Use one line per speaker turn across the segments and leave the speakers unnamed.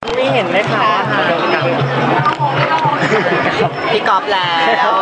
ไม่เห็นไหมคะพี่กอล์ฟแล้ว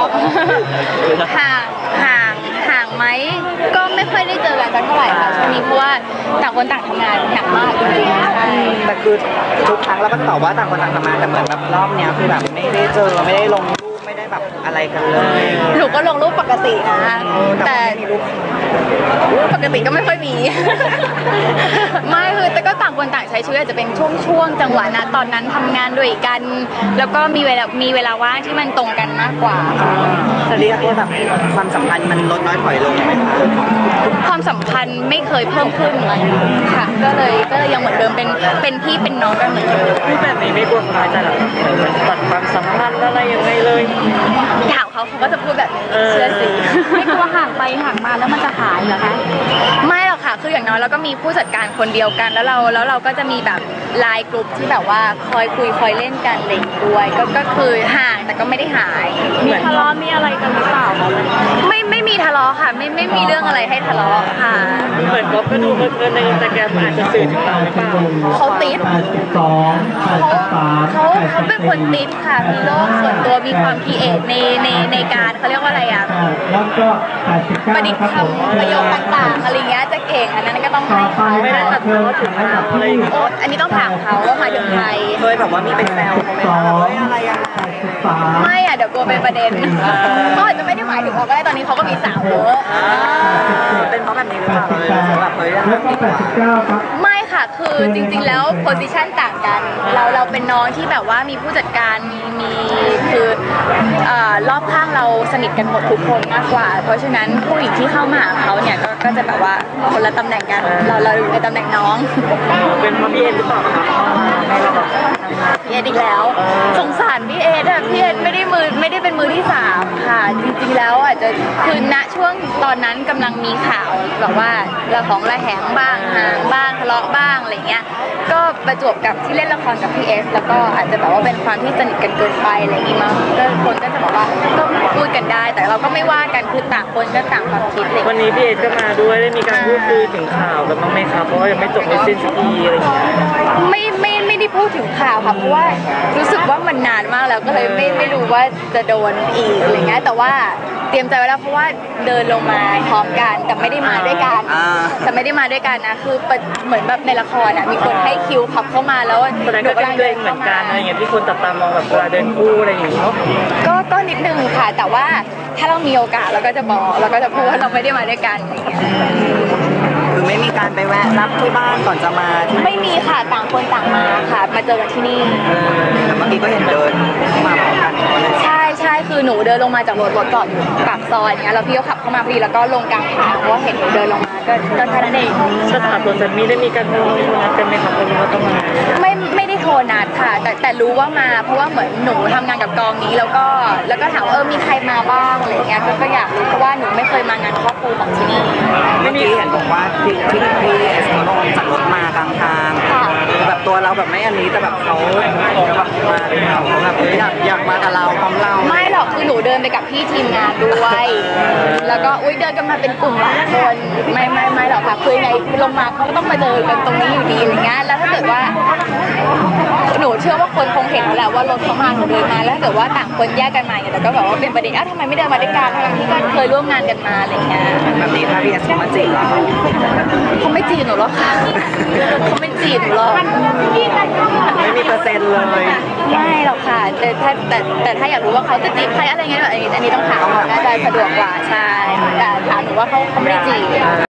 ห่างไหมก็ไม่ค่อยได้เจอกันสักเท่าไหร่ค่ะช่วงนี้เพราะว่าต่างคนต่างทำงานหนักมากจริงๆใช่
แต่คือทุกครั้งเราก็ตอบว่าต่างคนต่างทำงานแต่เหมือนแบบรอบเนี้ยคือแบบไม่ได้เจอไม่ได้ลงรูปไม่ได้แบบอะไรกันเลย
หนูก็ลงรูปปกตินะแต่ปกติก็ไม่ค่อยมีไม่คือแต่ก็ต่างคนต่างใช้ชีวิตอาจจะเป็นช่วงจังหวะนะตอนนั้นทำงานด้วยกันแล้วก็มีเวลาว่างที่มันตรงกันมากกว่า
จะเรียกว่าแบบความสัมพันธ์มันลดน้อยถอยลงไหมคะ
ความสัมพันธ์ไม่เคยเพิ่มขึ้นเลยค่ะก็เลยยังเหมือนเดิมเป็นพี่เป็นน้องกันเหมือนเดิม
พูดแบบนี้ไม่กลัวน้อยใจหรอตัดความสัมพันธ์อะไรยังไงเลย
ถามเขาก็จะพูดแบบเชื่อสิไม่กลัวห่างไปห่างมาแล้วมันจะหายเหรอคะไม่หรอกค่ะคืออย่างน้อยเราก็มีผู้จัดการคนเดียวกันแล้วเราก็จะมีแบบไลน์กลุ่มที่แบบว่าคอยคุยคอยเล่นกันเล่นด้วยก็คือห่างแต่ก็ไม่ได้หาย
มีทะเลาะมีอะไรกันหรือเปล่า
ไม่มีทะเลาะค่ะไม่มีเรื่องอะไรให้ทะเลาะค่ะ
เหมือนก็ดูเพลินในอินสตาแกรมอาจจะสื่อถึงเราหรือเปล่า
เขาติดเขาเป็นคนติดค่ะมีโลกส่วนตัวมีความคิดเอทในการเขาเรียกว่าอะไรอ่ะประดิษฐ์คำประโยคต่างๆอะไรเงี้ยจะเก่งอันนั้นก็ต้องให้เขา
ไม่ได้ตัดพ้อถึงอะไร
อันนี้ต้องถามเขาว่าหมายถึงใคร
เคยแบบว่ามีเป็นแซวไหมคะอะไร
ไม่อ่ะเดี๋ยวกลัวเป็นประเด็นเขาอาจจะไม่ได้หมายถึงเขาก็ได้ตอนนี้เขาก็มีสาวเยอะ
เป็นเพราะแบบนี้หรือเปล่าแบบ
ไม่ค่ะคือจริงๆแล้วโพสิชันต่างกันเราเป็นน้องที่แบบว่ามีผู้จัดการมีคือรอบข้างเราสนิทกันหมดทุกคนมากกว่าเพราะฉะนั้นผู้หญิงที่เข้ามาหาเขาเนี่ยก็จะแบบว่าคนละตำแหน่งกันเราอยู่ในตำแหน่งน้อง
เป็นเพราะพี่เอ็นหรือเปล่าคะ
พี่เอ็ดอีกแล้วสงสารพี่เอ็ดพี่เอ็ดไม่ได้เป็นมือที่3ค่ะจริงๆแล้วอาจจะคือณช่วงตอนนั้นกำลังมีข่าวแบบว่าระแหงบ้างห่างบ้างทะเลาะบ้างอะไรเงี้ยก็ประจวบกับที่เล่นละครกับพี่เอสแล้วก็อาจจะแบบว่าเป็นความที่สนิทกันเกินไปอะไรอย่างงี้มั้งก็คนก็จะบอกว่าก็พูดกันได้แต่เราก็ไม่ว่ากันคือต่างคนก็ต่างความคิดเลย
วันนี้พี่เอสก็มาด้วยได้มีการพูดคุยถึงข่าวกันบ้างไหมครับเพราะว่ายังไม่จบไม่สิ้นสักทีอะไรอย่างเงี้ย
ไม่ได้พูดถึงข่าวค่ะเพราะว่ารู้สึกว่ามันนานมากแล้วก็เลยไม่รู้ว่าจะโดนอีกอะไรเงี้ยแต่ว่าเตรียมใจไว้แล้วเพราะว่าเดินลงมาพร้อมกันแต่ไม่ได้มาด้วยกันนะคือเหมือนแบบในละครมีคนให้คิวขับเข้ามาแล้ว
แสดงก็เดินเหมือนกันอะไรอย่างเงี้ยที่คนจับตามองแบบเวลาเดินคู่อะไรอย่างเงี้ย
ก็นิดนึงค่ะแต่ว่าถ้าเรามีโอกาสเราก็จะบอกเราก็จะพูดว่าเราไม่ได้มาด้วยกัน
คือไม่มีการไปแวะรับที่บ้านก่อนจะมา
ไม่มีค่ะต่างคนต่างมาค่ะมาเจอกันที่นี่
แต่เมื่อกี้ก็เห็นเดินมาพร้อมกัน
ใช่คือหนูเดินลงมาจากรถจอดอยู่ปากซอยเนี้ยแล้วพี่ก็ขับเข้ามาพอดีแล้วก็ลงกลางทางเพราะว่าเห็นหนูเดินลงมาก็แค่นั้นเอง
สถานตัวจันมีได้มีการโทรนัดกันไหมครับว่าต้องมา
ไม่ได้โทรนัดค่ะแต่รู้ว่ามาเพราะว่าเหมือนหนูทำงานกับกองนี้แล้วก็ถามว่ามีใครมาบ้างอะไรเงี้ยก็อยากรู้เพราะว่าหนูไม่เคยมางานครอบครัวของที่นี่
เมื่อกี้เห็นบอกว่าที่เอสลงจากรถมากลางทางแบบตัวเราแบบไม่อันนี้แต่แบบเขาแบบมาเขาแบบอยากมากับเราพร้อมเรา
ไม่หรอกคือหนูเดินไปกับพี่ทีมงานด้วยแล้วก็เดินกันมาเป็นกลุ่มหลายคนไม่หรอกค่ะคือไงลงมาเขาก็ต้องมาเจอกันตรงนี้อยู่ดีอะไรเงี้ยแล้วถ้าเกิดว่าหนูเชื่อว่าคนคงเห็นแล้วว่ารถเขามาเขาเดินมาแล้วถ้าเกิดว่าต่างคนแยกกันมาเนี่ยแต่ก็แบบว่าเป็นประเด็นทำไมไม่เดินมาด้วยกันทั้งที่ก็เคยร่วมงานกันมาอะไรเงี้ย
แบบนี้ถ้าพี่เอสมาจีบเรา
เขาไม่จีบหนูหรอกค่ะเขาไม่จีบหนูหรอก
ไม่มีเปอร์เซ็นต์เลย
ไม่หรอกค่ะแต่ถ้าอยากรู้ว่าเขาจะจีบใครอะไรเงี้ยแบบอันนี้ต้องถามน่าจะสะดวกกว่าใช่แต่ถามหนูว่าเขาไม่ได้จีบ